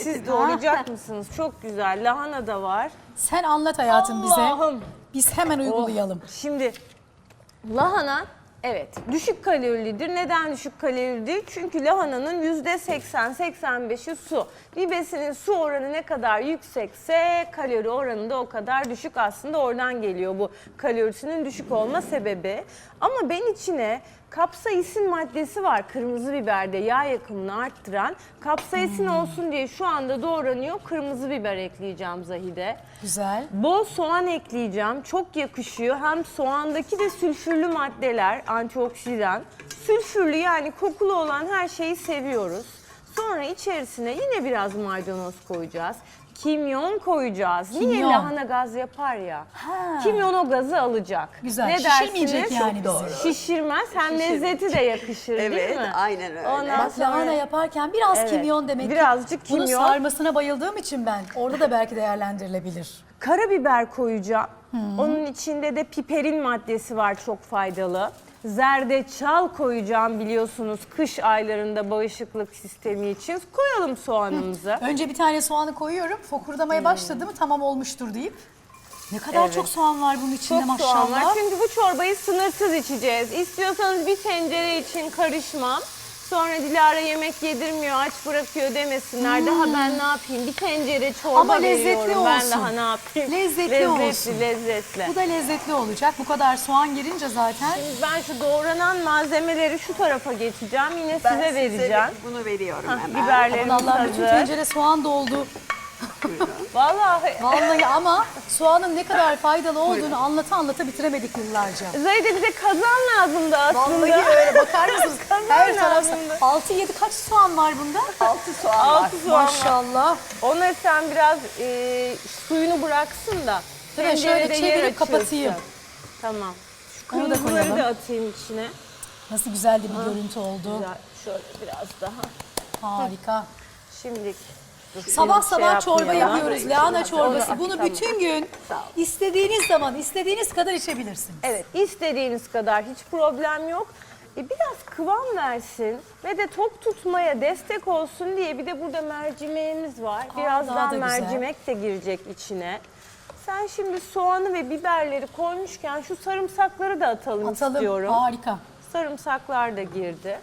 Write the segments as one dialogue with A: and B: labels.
A: Siz doğrayacak mısınız? Çok güzel. Lahana da var.
B: Sen anlat hayatım
A: Allah'ım.
B: bize. Biz hemen uygulayalım.
A: Şimdi lahana evet düşük kalorilidir. Neden düşük kalorilidir? Çünkü lahananın %80-85'i su. Bir besinin su oranı ne kadar yüksekse kalori oranı da o kadar düşük. Aslında oradan geliyor bu kalorisinin düşük olma sebebi. Ama ben içine kapsaisin maddesi var kırmızı biberde yağ yakımını arttıran. Kapsaisin olsun diye şu anda doğranıyor. Kırmızı biber ekleyeceğim Zahide.
B: Güzel.
A: Bol soğan ekleyeceğim. Çok yakışıyor. Hem soğandaki de sülfürlü maddeler, antioksidan. Sülfürlü yani kokulu olan her şeyi seviyoruz. Sonra içerisine yine biraz maydanoz koyacağız. Kimyon koyacağız. Niye
B: Kimyon.
A: lahana gaz yapar ya?
B: Ha.
A: Kimyon o gazı alacak.
B: Güzel.
A: Ne
B: Şişirmeyecek
A: dersiniz?
B: yani bizi.
A: Doğru. Şişirmez. Hem
C: Şişirmeyecek.
A: lezzeti de yakışır değil
C: Evet,
A: mi?
C: aynen öyle.
A: Ondan
B: Bak
A: sonra-
B: lahana yaparken biraz
A: Evet,
B: kimyon demek ki.
A: birazcık
B: Bunun
A: kimyon.
B: sarmasına bayıldığım için ben. Orada da belki değerlendirilebilir.
A: Karabiber koyacağım. Onun içinde de piperin maddesi var çok faydalı. Zerdeçal koyacağım biliyorsunuz kış aylarında bağışıklık sistemi için. Koyalım soğanımızı.
B: Önce bir tane soğanı koyuyorum. Fokurdamaya başladı mı tamam olmuştur deyip. Ne kadar çok soğan var bunun içinde
A: Çok
B: maşallah.
A: soğan var çünkü bu çorbayı sınırsız içeceğiz. İstiyorsanız bir tencere için karışmam. Sonra Dilara yemek yedirmiyor, aç bırakıyor demesinler. Daha ben ne yapayım? Bir tencere çorba
B: Ama lezzetli
A: veriyorum. Ben
B: olsun.
A: daha ne yapayım?
B: Lezzetli olsun.
A: Lezzetli.
B: Bu da lezzetli olacak. Bu kadar soğan girince zaten.
A: Şimdi ben şu doğranan malzemeleri şu tarafa geçeceğim. Yine
C: Ben
A: size vereceğim.
C: bunu veriyorum
A: Hah,
C: hemen.
A: biberlerimiz
B: Aman Allah'ım bütün
A: hazır.
B: tencere soğan doldu.
A: Vallahi
B: Vallahi ama soğanın ne kadar faydalı olduğunu anlata anlata bitiremedik yıllarca.
A: Zahide bize kazan lazımdı aslında.
B: Vallahi öyle bakar mısınız?
A: Kazan
B: Her taraf
A: lazımdı.
B: 6-7 kaç soğan var bunda?
C: 6 soğan var.
A: 6 soğan var.
B: Maşallah.
A: Onları sen biraz suyunu bıraksın da.
B: Değil mi? Şöyle
A: tencerede yer
B: çevirip
A: açılsın.
B: kapatayım.
A: Tamam. Şu
B: Onu da
A: kırmızıları
B: koyalım.
A: da atayım içine.
B: Nasıl güzel de bir görüntü oldu.
A: Güzel. Şöyle biraz daha.
B: Harika.
A: Şimdilik.
B: Sabah sabah çorba
A: yapmayalım.
B: yapıyoruz. Lahana çorbası.
A: Onu-
B: Bunu
A: tamam.
B: bütün gün
C: Sağ ol.
B: istediğiniz zaman, istediğiniz kadar içebilirsiniz.
A: Evet, istediğiniz kadar hiç problem yok. Biraz kıvam versin ve de tok tutmaya destek olsun diye bir de burada mercimeğimiz var.
B: daha
A: Birazdan
B: da güzel.
A: mercimek de girecek içine. Sen şimdi soğanı ve biberleri koymuşken şu sarımsakları da atalım istiyorum.
B: Harika.
A: Sarımsaklar da girdi.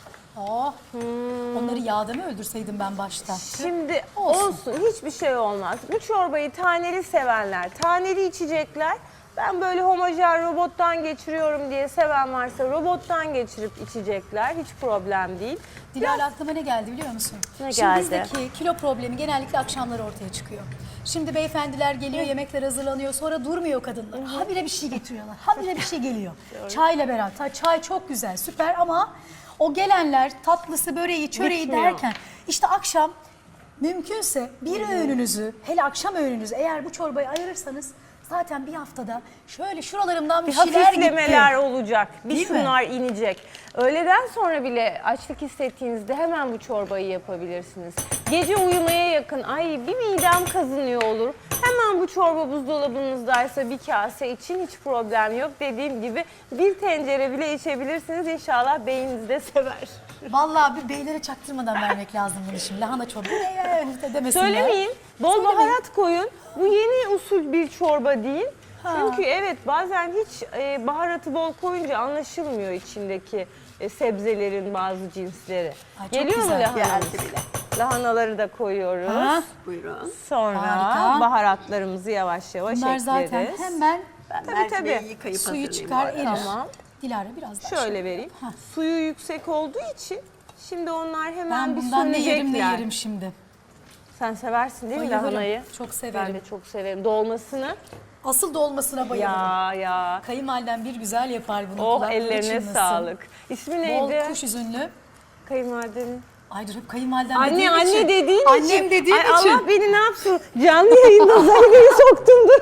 B: Oh. Onları yağda mı öldürseydim ben başta?
A: Şimdi
B: Olsun.
A: olsun hiçbir şey olmaz. Bu çorbayı taneli sevenler, taneli içecekler. Ben böyle homojen robottan geçiriyorum diye seven varsa robottan geçirip içecekler. Hiç problem değil.
B: Dilara aklıma ne geldi biliyor musun?
A: Ne
B: Şimdi
A: geldi?
B: bizdeki kilo problemi genellikle akşamları ortaya çıkıyor. Şimdi beyefendiler geliyor, yemekler hazırlanıyor, sonra durmuyor kadınlar. Habire bir şey getiriyorlar, habire bir şey geliyor. Çayla beraber, çay çok güzel, süper ama o gelenler tatlısı, böreği, çöreği
A: Bitmiyor.
B: derken işte akşam mümkünse bir öğününüzü, hele akşam öğününüzü eğer bu çorbayı ayırırsanız zaten bir haftada şöyle şuralarımdan bir
A: Bir
B: şeyler
A: hafiflemeler
B: gitti.
A: olacak. Bir
B: Değil mi?
A: şunlar inecek. Öğleden sonra bile açlık hissettiğinizde hemen bu çorbayı yapabilirsiniz. Gece uyumaya yakın ay bir midem kazınıyor olur. Hemen bu çorba buzdolabınızdaysa bir kase için hiç problem yok. Dediğim gibi bir tencere bile içebilirsiniz. İnşallah beyniniz de sever.
B: Vallahi bir beylere çaktırmadan vermek lazım bunu şimdi. Lahana çorbası demesinler.
A: Söylemeyin. Bol
B: Söylemeyin.
A: baharat koyun. Bu yeni usul bir çorba değil. Çünkü evet bazen hiç baharatı bol koyunca anlaşılmıyor içindeki sebzelerin bazı cinsleri.
B: Ay, çok
A: Geliyor mu
B: güzel.
A: lahana?
C: Geldi bile.
A: Lahanaları da koyuyoruz.
B: Ha?
C: Buyurun.
A: Sonra
B: Harika.
A: baharatlarımızı yavaş yavaş
B: Bunlar
A: ekleriz.
B: zaten hemen
C: Ben
A: Tabii,
C: mercimeği
A: tabii.
C: yıkayıp
B: suyu
C: hazırlayayım
B: çıkar,
C: bu arada.
B: erir.
A: Tamam.
B: Dilara biraz daha.
A: Şöyle vereyim. Suyu yüksek olduğu için şimdi onlar hemen
B: Ben
A: bir
B: bundan ne yerim ne
A: sönecekler.
B: yerim şimdi.
A: Sen seversin değil mi
B: Bayılırım.
A: lahanayı?
B: Çok severim.
A: Ben de çok severim. Dolmasını.
B: Asıl dolmasına bayılırım.
A: Ya.
B: Kayınvalidem bir güzel yapar bunu.
A: Oh
B: kulakları
A: ellerine
B: çınlasın.
A: sağlık. İsmi
B: Bol
A: neydi?
B: kuş üzümlü.
A: Kayınvalidenin.
B: Ay dur hep kayınvalidem
A: Anne
B: dediğim
A: anne
B: için.
A: dediğin için.
B: Annem dediğim
A: Ay,
B: için.
A: Allah beni ne yapsın? Canlı yayında Zahide'yi soktum dur.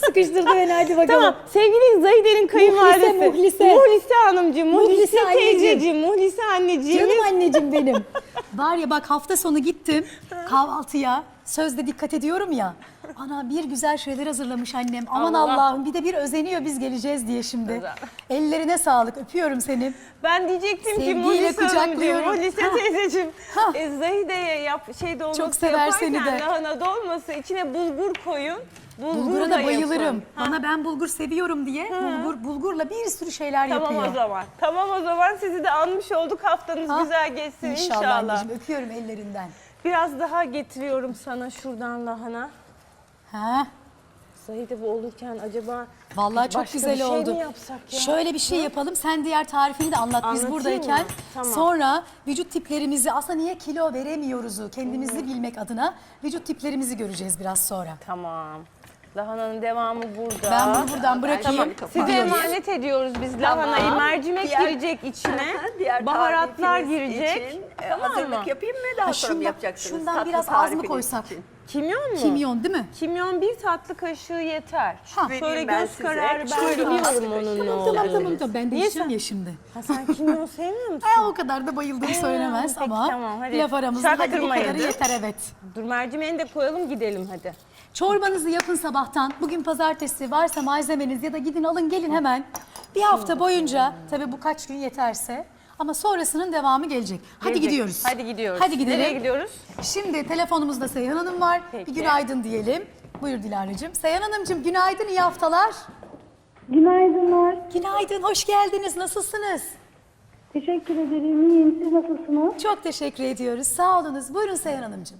B: Sıkıştırdı beni, hadi bakalım.
A: Tamam, sevgili Zahide'nin kayınvalidesi.
B: Muhlise.
A: Muhlise Hanımcığım, Muhlise
B: Muhlise anneciğim.
A: teyzeciğim, Muhlise anneciğim.
B: Canım anneciğim benim. Var ya bak, hafta sonu gittim kahvaltıya. Sözde dikkat ediyorum ya. Ana bir güzel şeyler hazırlamış annem. Aman
A: Allah.
B: Allah'ım, bir de bir özeniyor biz geleceğiz diye şimdi.
A: Güzel.
B: Ellerine sağlık, öpüyorum seni.
A: Ben diyecektim ki
B: Sevgiyle
A: Muhlise Hanımcığım,
B: kucaklıyorum.
A: Muhlise
B: Ha.
A: teyzeciğim.
B: Ha.
A: Zahide'ye dolması
B: Çok sever seni
A: yaparken
B: de.
A: lahana dolması içine bulgur koyun.
B: Bulgura da bayılırım.
A: yapın.
B: Bana ben bulgur seviyorum diye bulgurla bir sürü şeyler
A: Tamam
B: yapıyor.
A: o zaman. Tamam o zaman sizi de anmış olduk. Haftanız
B: Ha,
A: güzel geçsin
B: İnşallah
A: inşallah.
B: anneciğim, öpüyorum ellerinden.
A: Biraz daha getiriyorum sana şuradan lahana.
B: Ha?
A: Zahide bu olurken acaba
B: Vallahi çok
A: başka
B: güzel
A: bir şey
B: oldu.
A: mi yapsak ya?
B: Şöyle bir şey yapalım. Sen diğer tarifini de anlat biz
A: Anlatayım
B: buradayken.
A: mı? Tamam.
B: Sonra vücut tiplerimizi, aslında niye kilo veremiyoruzu kendimizi bilmek adına vücut tiplerimizi göreceğiz biraz sonra.
A: Tamam. Lahananın devamı burada.
B: Ben bunu buradan bırakayım.
A: Tamam. Size
B: Gidiyoruz.
A: emanet ediyoruz biz lahanayı. Mercimek girecek içine.
C: Diğer
A: Baharatlar
C: tarifiniz
A: girecek.
C: için,
A: Tamam
C: hazırlık
A: mı?
C: yapayım mı? Daha sonra mı
B: Şundan,
C: yapacaksınız?
B: şundan
C: Tatlı
B: biraz az mı
C: tarifiniz
B: koysak?
C: için.
A: Kimyon mu?
B: Kimyon değil mi?
A: Kimyon 1 tatlı kaşığı yeter.
B: Ha.
A: Şöyle
C: Vereyim ben
A: göz
C: size.
A: kararı ben
C: Şöyle
A: biliyorum
C: tatlı
A: onun
C: kaşığı.
A: ne
B: Tamam
A: olduğunu.
B: tamam ben de
A: Niye
B: içeceğim
A: sen-
B: ya şimdi.
A: Ha, sen kimyon sevmiyor musun?
B: O kadar da bayıldığım söylenemez
A: peki,
B: ama
A: tamam, hadi.
B: laf aramızda hadi bu
A: Çaktırmayın.
B: kadarı yeter, evet.
A: Dur mercimeğini de koyalım gidelim hadi.
B: Çorbanızı yapın sabahtan. Bugün pazartesi, varsa malzemeniz ya da gidin alın gelin hemen. Bir hafta boyunca, tabii bu kaç gün yeterse, ama sonrasının devamı gelecek. Hadi
A: Gelecek.
B: gidiyoruz.
A: Hadi gidiyoruz.
B: Hadi gidelim.
A: Nereye gidiyoruz?
B: Şimdi telefonumuzda Seyhan Hanım var.
A: Peki.
B: Bir günaydın diyelim. Buyur Dilara'cığım. Seyhan Hanımcığım günaydın, iyi haftalar.
D: Günaydınlar.
B: Günaydın, hoş geldiniz. Nasılsınız?
D: Teşekkür ederim. İyiyim. Siz nasılsınız?
B: Çok teşekkür ediyoruz. Sağ olunuz. Buyurun Seyhan Hanımcığım.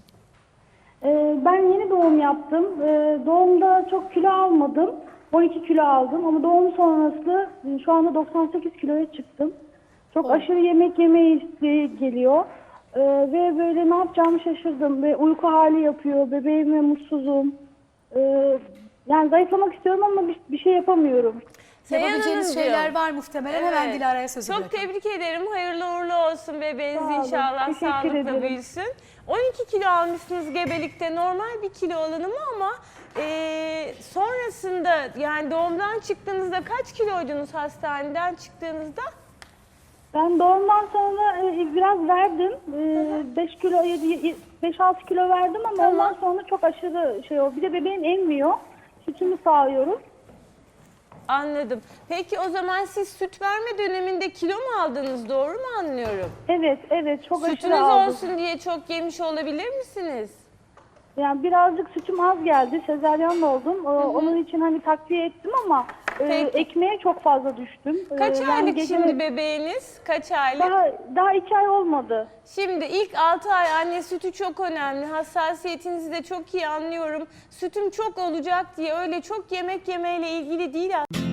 D: Ben yeni doğum yaptım. Doğumda çok kilo almadım. 12 kilo aldım ama doğum sonrası şu anda 98 kiloya çıktım. Çok aşırı yemek yeme isteği geliyor. Ve böyle ne yapacağımı şaşırdım. Ve uyku hali yapıyor. Bebeğime mutsuzum. Yani zayıflamak istiyorum ama bir şey yapamıyorum.
A: Seyhan
B: Yapabileceğiniz
A: Hanımcığım.
B: şeyler var muhtemelen. Hemen
A: Evet.
B: Dilara'ya sözü
A: Çok
B: bırakalım.
A: tebrik ederim. Hayırlı uğurlu olsun bebeğiniz
D: Sağ olun.
A: inşallah
D: Teşekkür
A: sağlıkla
D: ederim.
A: büyüsün. 12 kilo almışsınız gebelikte, normal bir kilo alınımı ama sonrasında yani doğumdan çıktığınızda kaç kiloydunuz hastaneden çıktığınızda?
D: Ben doğumdan sonra biraz verdim. 5 kilo, 5-6 kilo verdim ama ondan sonra çok aşırı şey oldu. Bir de bebeğim emmiyor. Sütümü sağlıyorum.
A: Anladım. Peki o zaman siz süt verme döneminde kilo mu aldınız, doğru mu anlıyorum?
D: Evet çok
A: Sütünüz
D: aşırı aldım.
A: olsun diye çok yemiş olabilir misiniz?
D: Yani birazcık sütüm az geldi. Sezaryen oldum. Onun için hani takviye ettim ama
A: Peki.
D: ekmeğe çok fazla düştüm.
A: Kaç
D: Yani
A: aylık
D: gece-
A: şimdi bebeğiniz? Kaç aylık?
D: Daha 2 ay olmadı.
A: Şimdi ilk 6 ay anne sütü çok önemli. Hassasiyetinizi de çok iyi anlıyorum. Sütüm çok olacak diye öyle çok yemek yemeyle ilgili değil aslında.